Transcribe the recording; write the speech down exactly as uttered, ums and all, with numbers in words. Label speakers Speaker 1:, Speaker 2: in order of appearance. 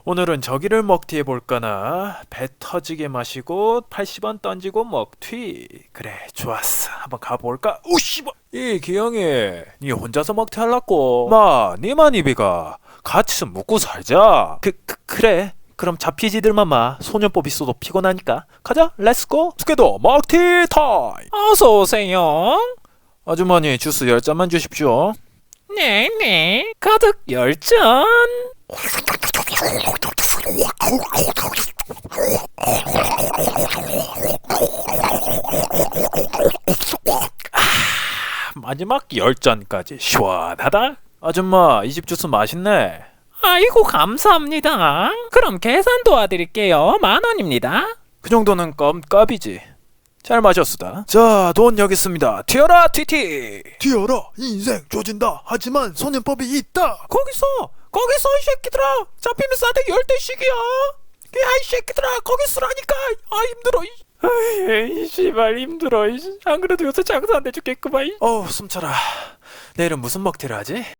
Speaker 1: 오늘은 저기를 먹튀 해볼까나. 배 터지게 마시고 팔십 원 던지고 먹튀. 그래 좋았어, 한번 가볼까. 오씨발, 이 기영이 니 혼자서 먹튀 할라고? 마 니만 입이가 같이 좀 먹고 살자. 그, 그 그래, 그럼 잡히지들만 마. 소년법 있어도 피곤하니까 가자. 렛츠고. 스케도 먹튀 타임. 어서오세요. 아주머니 주스 열 잔만 주십시오. 네네, 가득 열 잔. 마지막 열 잔까지 시원하다. 아줌마, 이 집 주스 맛있네. 아이고 감사합니다. 그럼 계산 도와드릴게요. 만 원입니다. 그 정도는 껌값이지. 잘 마셨수다. 자, 돈 여기 있습니다. 튀어라 티티.
Speaker 2: 튀어라, 인생 조진다. 하지만 소년법이 있다.
Speaker 1: 거기서 거기서 이 새끼들아, 잡히면 싸대 열대씩이야. 야이 새끼들아, 거기 쓰라니까. 아 힘들어. 아이 씨발 힘들어. 안 그래도 요새 장사 안 돼 죽겠구만. 어우 숨차라. 내일은 무슨 먹튀를 하지?